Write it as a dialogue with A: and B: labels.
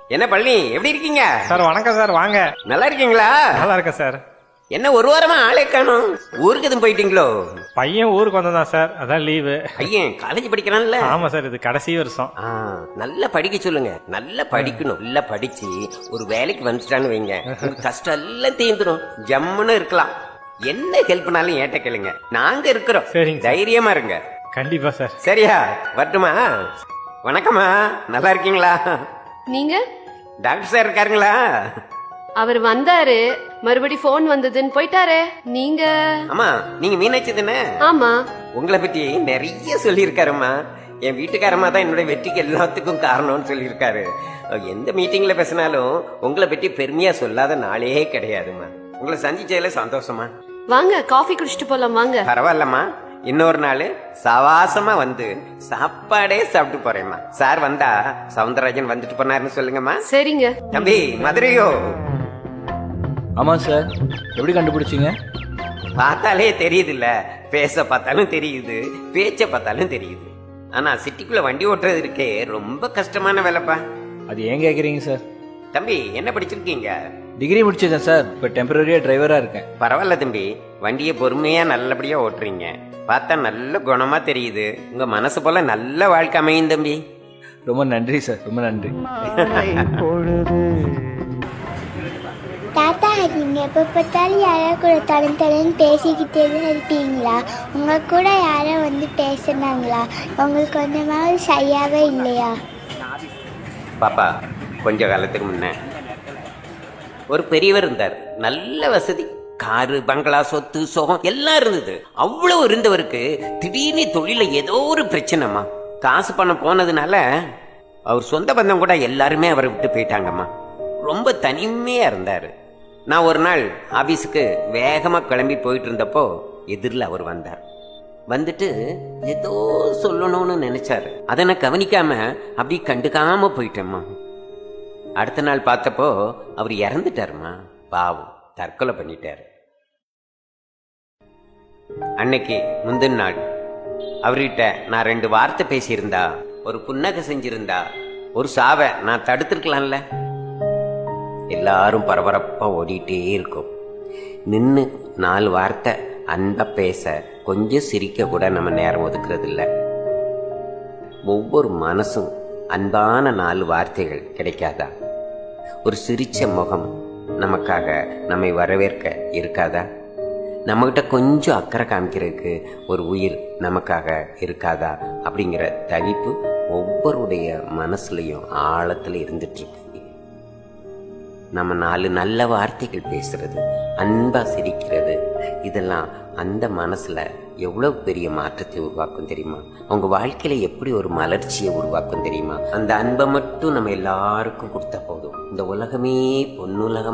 A: என்ன பழனி, எப்படி இருக்கீங்க
B: சார்? வணக்கம் சார், வாங்க.
A: நல்லா இருக்கீங்களா?
B: நல்லா இருக்கேன் சார்.
A: என்ன ஒரு வாரமா ஆளே காணும், ஊருக்கு எதுவும் போயிட்டீங்களோ?
B: பையன் ஊருக்கு வந்தான் சார், அதான் லீவு.
A: பையன் காலேஜ் படிக்கிறான்ல?
B: ஆமா சார், இது கடைசி வருஷம்.
A: நல்லா படிக்க சொல்லுங்க, நல்லா படிக்கணும். நல்லா படிச்சு ஒரு வேலைக்கு வந்துட்டான்னு வைங்க, உங்க கஷ்டம் எல்லாம் தீர்ந்துடும், ஜம்முன்னு இருக்கலாம். என்ன ஹெல்ப்னாலும் ஏட்ட கேளுங்க, நாங்க இருக்கிறோம்.
B: சரிங்க.
A: தைரியமா இருங்க.
B: கண்டிப்பா சார்.
A: சரியா? வரட்டுமா? வணக்கம்மா, நல்லா இருக்கீங்களா?
C: நீங்க?
A: Doctor sir இருக்காருங்களா?
C: அவர் வந்தாரு, மறுபடி போன் வந்ததுன்னு போயிட்டாரே. நீங்க?
A: ஆமா, நீங்க மீனாட்சி தானே?
C: ஆமா.
A: உங்களை பத்தி நிறைய சொல்லியிருக்காருமா. என் வீட்டுக்காரமா தான் என்னோட வெற்றிக்கு எல்லாத்துக்கும் காரணம்னு சொல்லியிருக்காரு. எந்த மீட்டிங்ல பேசினாலும் உங்களை பற்றி பெருமையா சொல்லாத நாளே கிடையாதுமா. உங்களை சந்திச்சதுல சந்தோஷமா.
C: வாங்க, காஃபி குடிச்சிட்டு போலாம் வாங்க.
A: பரவாயில்லம்மா, இன்னொரு நாள் சவாசமா வந்து சாப்பாடே சாப்பிட்டு போறேம்மா. சார் வந்தா சவுந்தரராஜன் வந்துட்டு போனாருன்னு சொல்லுங்கம்மா.
C: சரிங்க.
A: தம்பி மதுரையோ?
D: ஆமா சார். எப்படி கண்டுபிடிச்சீங்க?
A: பார்த்தாலே தெரியுது இல்ல, பேச பார்த்தாலும் தெரியுது, பேச்ச பார்த்தாலும் தெரியுது. ஆனா சிட்டிக்குள்ள வண்டி ஓட்டுறது இருக்கே ரொம்ப கஷ்டமான வேலைப்பா.
D: அது ஏன் கேக்குறீங்க சார்?
A: தம்பி என்ன படிச்சிருக்கீங்க?
D: டிகிரி முடிச்சிருக்கேன் சார். இப்போ டெம்பரரியா டிரைவரா இருக்கேன்.
A: பரவாயில்ல தம்பி, வண்டியை பொறுமையா நல்லபடியா ஓட்டுறீங்க. பார்த்தா நல்ல குணமா தெரியுது. உங்க மனசு போல நல்ல வாழ்க்கை அமையும் தம்பி.
D: ரொம்ப நன்றி சார், ரொம்ப நன்றி.
E: தாத்தா, நீங்கள் எப்போ பார்த்தாலும் யாரோ கூட தடன் பேசிக்கிட்டே தான் இருப்பீங்களா? உங்கள் கூட யாரோ வந்து பேசுனாங்களா? உங்களுக்கு கொஞ்சமாவது சரியாகவே இல்லையா?
A: பாப்பா, கொஞ்ச காலத்துக்கு முன்ன ஒரு பெரியவர் இருந்தார். நல்ல வசதி, காரு, பங்களா, சொத்து, சோகம் எல்லாம் இருந்தது. அவ்வளவு இருந்தவருக்கு திடீர்னு தொழில ஏதோ ஒரு பிரச்சனைமா. காசு பணம் போனதுனால அவர் சொந்த பந்தம் கூட எல்லாருமே அவரை விட்டு போயிட்டாங்கம்மா. ரொம்ப தனிமையா இருந்தாரு. நான் ஒரு நாள் ஆபீஸுக்கு வேகமா கிளம்பி போயிட்டு இருந்தப்போ எதிரில் அவர் வந்தார். வந்துட்டு ஏதோ சொல்லணும்னு நினைச்சாரு. அதை நான் கவனிக்காம அப்படி கண்டுக்காம போயிட்டேம்மா. அடுத்த நாள் பார்த்தப்போ அவர் இறந்துட்டாருமா. பாவம், தற்கொலை பண்ணிட்டாரு. அன்னைக்கு முந்தின நாள் அவர்கிட்ட நான் 2 வார்த்தை பேசியிருந்தா, ஒரு புன்னகை செஞ்சிருந்தா, ஒரு சாவை நான் தடுத்திருக்கலாம்ல. எல்லாரும் பரபரப்பா ஓடிட்டே இருக்கும். நின்று 4 வார்த்தை அன்பா பேச, கொஞ்சம் சிரிக்க கூட நம்ம நேரம் ஒதுக்குறது இல்லை. ஒவ்வொரு மனசும் அன்பான 4 வார்த்தைகள் கிடைக்காதா? ஒரு சிரிச்ச முகம் நமக்காக நம்மை வரவேற்க இருக்காதா? நம்மகிட்ட கொஞ்சம் அக்கறை காமிக்கிறதுக்கு ஒரு உயிர் நமக்காக இருக்காதா? அப்படிங்கிற தவிப்பு ஒவ்வொருடைய மனசுலையும் ஆழத்துல இருந்துட்டு இருக்கு. நம்ம 4 நல்ல வார்த்தைகள் பேசுறது, அன்பா சிரிக்கிறது, இதெல்லாம் அந்த மனசுல எவ்வளவு பெரிய மாற்றத்தை உருவாக்கும் தெரியுமா? அவங்க வாழ்க்கையில எப்படி ஒரு மலர்ச்சியை உருவாக்கும் தெரியுமா? அந்த அன்பை மட்டும் நம்ம எல்லாருக்கும் கொடுத்தா போதும், இந்த உலகமே பொன்னுலகம்